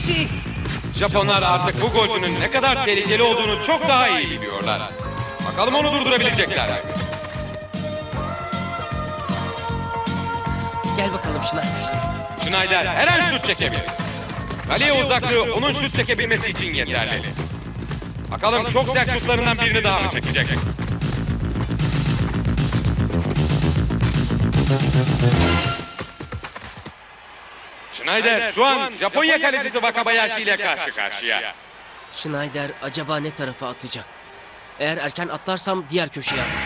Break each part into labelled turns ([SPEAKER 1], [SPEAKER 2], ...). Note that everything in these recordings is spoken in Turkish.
[SPEAKER 1] Wakabayashi!
[SPEAKER 2] Japonlar artık bu golcünün ne kadar tehlikeli olduğunu çok daha iyi biliyorlar. Bakalım onu durdurabilecekler mi?
[SPEAKER 1] Gel bakalım Schneider.
[SPEAKER 2] Schneider her an şut çekebilir. Kaleye uzaklığı onun şut çekebilmesi için yeterli. Bakalım çok sert şutlarından birini daha mı çekecek? Schneider şu an Japonya kalecisi Wakabayashi ile karşı karşıya.
[SPEAKER 1] Schneider acaba ne tarafa atacak? Eğer erken atlarsam diğer köşeye atar.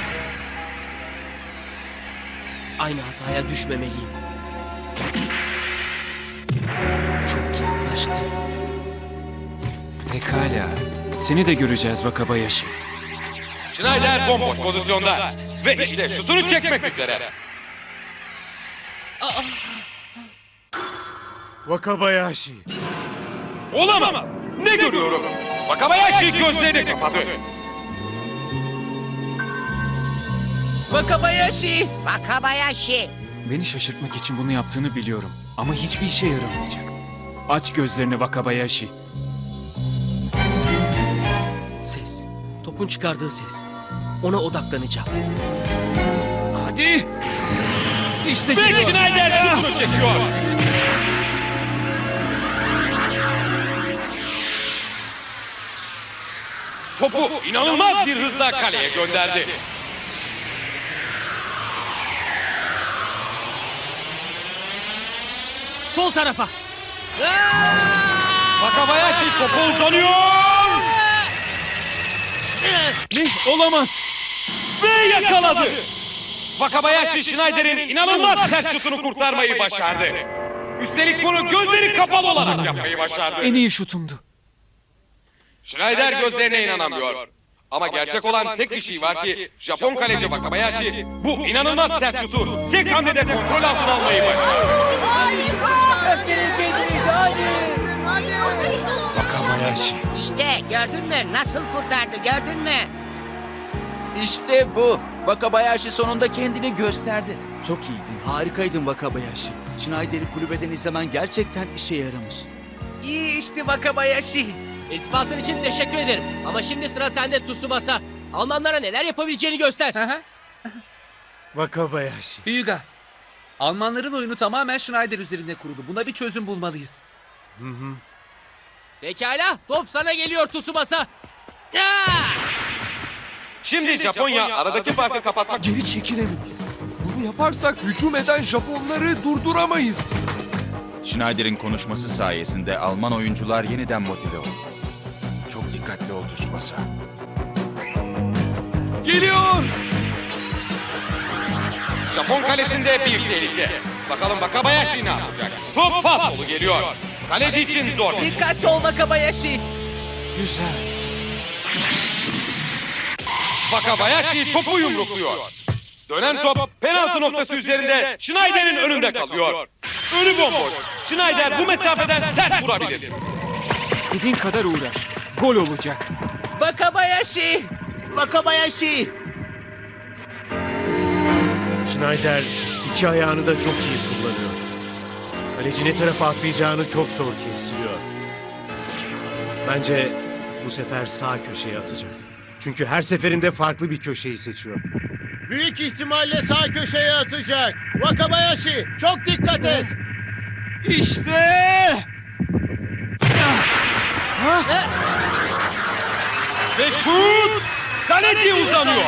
[SPEAKER 1] Aynı hataya düşmemeliyim. Çok yaklaştı.
[SPEAKER 3] Pekala. Seni de göreceğiz Wakabayashi.
[SPEAKER 2] Schneider bomboş pozisyonda ve işte şutunu çekmek üzere.
[SPEAKER 4] Wakabayashi.
[SPEAKER 2] Olamaz. Ne görüyorum? Wakabayashi gözlerini kapadı.
[SPEAKER 1] Wakabayashi!
[SPEAKER 5] Wakabayashi.
[SPEAKER 3] Beni şaşırtmak için bunu yaptığını biliyorum. Ama hiçbir işe yaramayacak. Aç gözlerini Wakabayashi.
[SPEAKER 1] Ses. Topun çıkardığı ses. Ona odaklanacağım.
[SPEAKER 3] Hadi! İşte
[SPEAKER 2] Ve
[SPEAKER 3] geliyor.
[SPEAKER 2] Schneider şutunu çekiyor. Topu inanılmaz bir hızla kaleye gönderdi.
[SPEAKER 1] Sol tarafa.
[SPEAKER 2] Wakabayashi topu uzanıyor.
[SPEAKER 3] Ne? Olamaz.
[SPEAKER 2] Ve yakaladı. Wakabayashi Schneider'in inanılmaz sert şutunu kurtarmayı başardı. Üstelik bunu gözleri kapalı olarak yapmayı başardı.
[SPEAKER 3] En iyi şutumdu.
[SPEAKER 2] Schneider gözlerine inanamıyor. Ama gerçek olan tek bir şey var ki Japon kaleci Wakabayashi bu inanılmaz sert şutu tek hamlede kontrol altına almayı başardı.
[SPEAKER 4] Wakabayashi.
[SPEAKER 5] İşte gördün mü? Nasıl kurtardı gördün mü?
[SPEAKER 6] İşte bu. Wakabayashi sonunda kendini gösterdi.
[SPEAKER 7] Çok iyiydin, harikaydın Wakabayashi. Schneider'i kulübeden izlemen gerçekten işe yaramış.
[SPEAKER 1] İyi işte Wakabayashi. İltifatın için teşekkür ederim. Ama şimdi sıra sende Tsubasa. Almanlara neler yapabileceğini göster.
[SPEAKER 4] Wakabayashi.
[SPEAKER 6] Hyuga. Almanların oyunu tamamen Schneider üzerinde kuruldu. Buna bir çözüm bulmalıyız.
[SPEAKER 1] Pekala, top sana geliyor Tsubasa.
[SPEAKER 2] Şimdi Japonya aradaki farkı kapatmak
[SPEAKER 8] Geri çekilemeyiz. Bunu yaparsak hücum eden Japonları durduramayız.
[SPEAKER 9] Schneider'in konuşması sayesinde Alman oyuncular yeniden motive oldu. Çok dikkatli ol Tsubasa.
[SPEAKER 8] Geliyor!
[SPEAKER 2] Japon kalesinde bir tehlike. Bakalım Wakabayashi ne yapacak? Top pas dolu geliyor. Kaleci için zor.
[SPEAKER 1] Dikkatli ol Wakabayashi.
[SPEAKER 3] Güzel.
[SPEAKER 2] Wakabayashi topu yumrukluyor. Dönen top penaltı noktası üzerinde Schneider'in önünde kalıyor. Önü bomboş. Schneider bu mesafeden sert vurabilir.
[SPEAKER 3] İstediğin kadar uğraş. Gol olacak.
[SPEAKER 1] Wakabayashi.
[SPEAKER 7] Wakabayashi!
[SPEAKER 4] Schneider iki ayağını da çok iyi kullanıyor. Kaleci ne tarafa atlayacağını çok zor kestiriyor. Bence bu sefer sağ köşeye atacak. Çünkü her seferinde farklı bir köşeyi seçiyor.
[SPEAKER 10] Büyük ihtimalle sağ köşeye atacak. Wakabayashi çok dikkat et.
[SPEAKER 3] İşte!
[SPEAKER 2] Ve şut! Kaleci uzanıyor.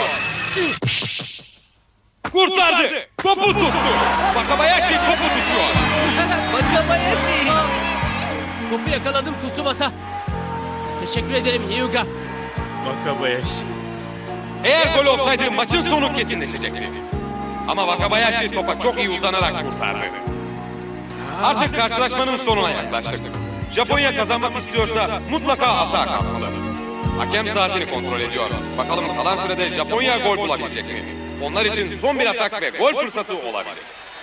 [SPEAKER 2] Kurtardı. Topu tuttu. Wakabayashi topu tutuyor.
[SPEAKER 1] Wakabayashi. Topu yakaladım Tsubasa. Teşekkür ederim Hyuga.
[SPEAKER 4] Wakabayashi.
[SPEAKER 2] Eğer gol olsaydı maçın sonu kesinleşecekti. Ama Wakabayashi topa çok iyi uzanarak kurtardı. Artık karşılaşmanın sonuna yaklaştık. Japonya kazanmak istiyorsa mutlaka atağa kalkmalı. Hakem saatini kontrol ediyor. Bakalım kalan sürede Japonya gol bulabilecek mi? Onlar için son bir atak ve gol fırsatı olabilir.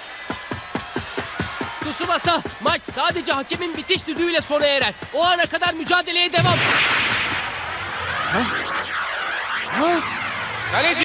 [SPEAKER 1] Tsubasa, maç sadece hakemin bitiş düdüğüyle sona erer. O ana kadar mücadeleye devam.
[SPEAKER 2] Kaleci